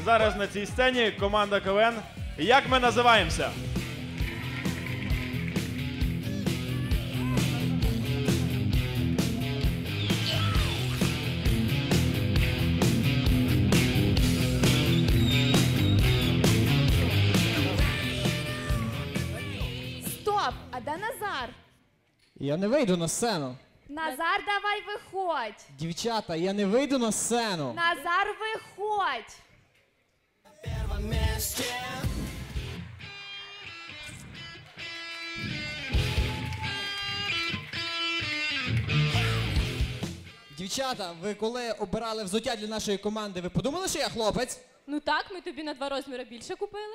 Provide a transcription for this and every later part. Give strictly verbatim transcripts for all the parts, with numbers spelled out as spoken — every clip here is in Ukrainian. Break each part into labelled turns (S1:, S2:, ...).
S1: Зараз на цій сцені команда КВН «Як ми називаємося?».
S2: Стоп! А де Назар?
S3: Я не вийду на сцену.
S2: Назар, давай виходь!
S3: Дівчата, я не вийду на сцену.
S2: Назар, виходь!
S3: Дівчата, ви коли обирали взуття для нашої команди, ви подумали, що я хлопець?
S4: Ну так, ми тобі на два розміри більше купили.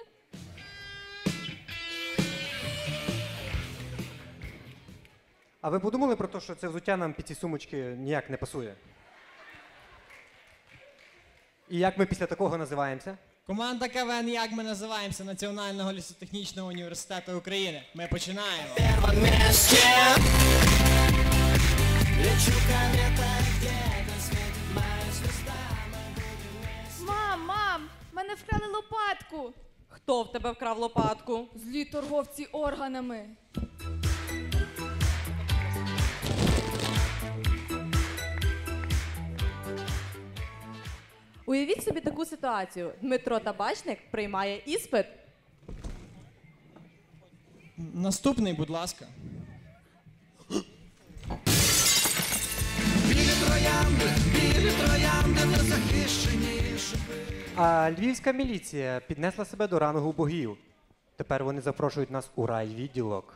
S5: А ви подумали про те, що це взуття нам під ці сумочки ніяк не пасує? І як ми після такого називаємося?
S3: Команда КВН «Як ми називаємося» Національного лісотехнічного університету України. Ми починаємо.
S2: Мам, мам! Мене вкрали лопатку!
S4: Хто в тебе вкрав лопатку?
S2: Злі торговці органами.
S4: Уявіть собі таку ситуацію. Дмитро Табачник приймає іспит.
S3: Наступний, будь ласка.
S5: А львівська міліція піднесла себе до рангу богів. Тепер вони запрошують нас у райвідділок.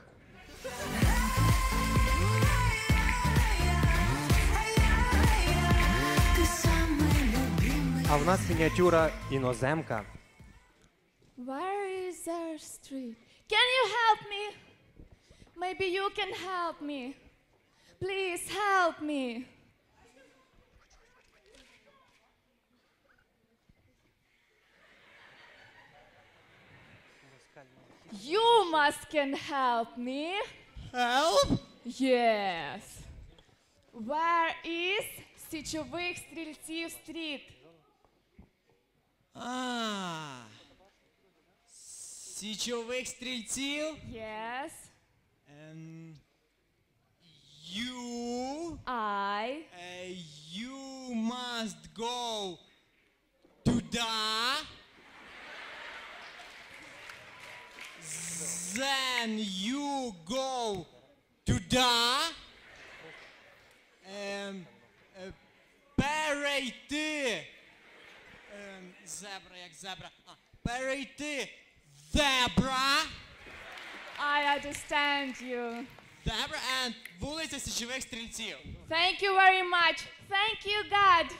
S5: А в нас мініатюра іноземка.
S2: Where is our street? Can you help me? Maybe you can help me. Please help me. You must can help me.
S3: Help?
S2: Yes. Where is Січових стрільців стріт?
S3: А, січових стрільців.
S2: Yes.
S3: Ем, You,
S2: I.
S3: uh, you must go to the. Then you go to the. Um, uh, перейти. Um, зебра, як зебра. А, перейти. Зебра.
S2: I understand you.
S3: Зебра and вулиця Січових стрільців.
S2: Thank you very much. Thank you, God.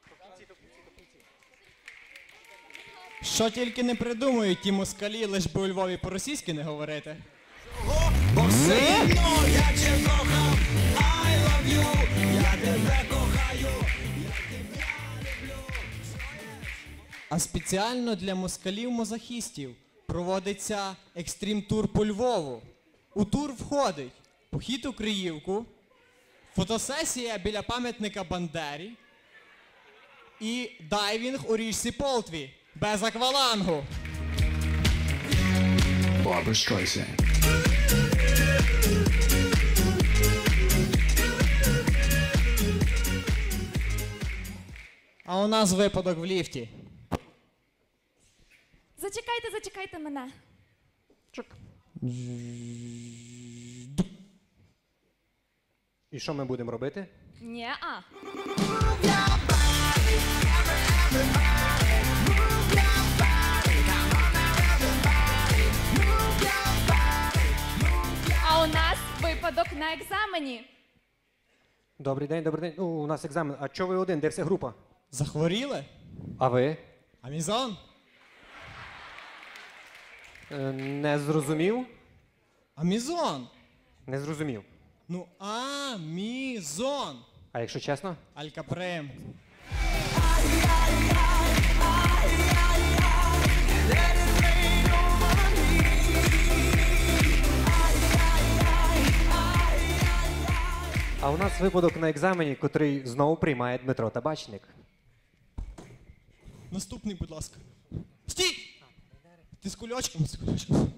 S3: Що тільки не придумують ті москалі, лиш би у Львові по-російськи не говорити.
S6: Бо все одно я тебе кохав, I love you, я тебе кохаю, я тебе люблю.
S3: А спеціально для москалів-мозахістів проводиться екстрім-тур по Львову. У тур входить похід у Криївку, фотосесія біля пам'ятника Бандері і дайвінг у річці Полтві без аквалангу.
S7: Barbra Streisand.
S3: А у нас випадок в ліфті.
S2: Зачекайте, зачекайте мене.
S5: І що ми будемо робити?
S2: Ні-а. А у нас випадок на екзамені.
S5: Добрий день, добрий день. Ну, у нас екзамен. А чого ви один? Де вся група?
S3: Захворіли?
S5: А ви?
S3: Амізон?
S5: Е, не зрозумів?
S3: Амізон?
S5: Не зрозумів.
S3: Ну, Амізон.
S5: А якщо чесно?
S3: Алькаприм.
S5: А у нас випадок на екзамені, котрий знову приймає Дмитро Табачник.
S3: Наступний, будь ласка. Стій! Ти з кульочком, з кульочком.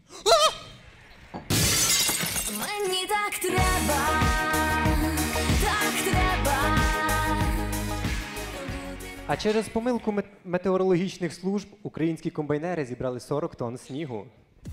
S7: Мені так треба, так треба.
S5: А через помилку мет- метеорологічних служб українські комбайнери зібрали сорок тонн снігу.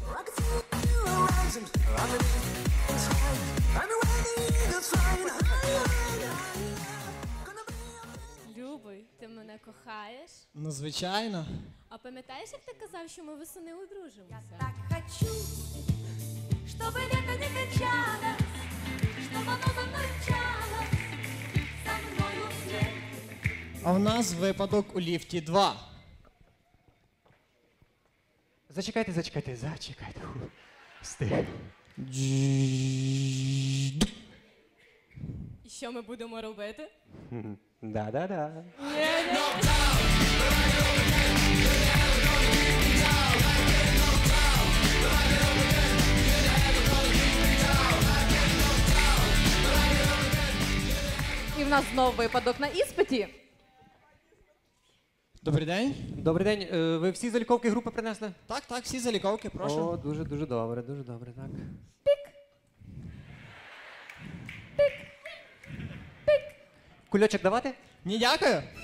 S2: Любий, ти мене кохаєш?
S3: Ну, звичайно.
S2: А пам'ятаєш, як ти казав, що ми восени одружимося?
S7: Так хочу, чтобы лето не кончалось, чтобы оно замолчало со мною вслед.
S3: А в нас випадок у ліфті два.
S5: Зачекайте, зачекайте, зачекайте. Фу. Встиг.
S2: І що ми будемо робити?
S5: Мгм. Да-да-да.
S4: І в нас знову випадок на іспиті.
S3: Добрий день.
S5: Добрий день. Е, Ви всі заліковки групи принесли?
S3: Так, так, всі заліковки, прошу.
S5: О, дуже, дуже добре, дуже добре, так. Кульочок давати?
S3: Ні, дякую.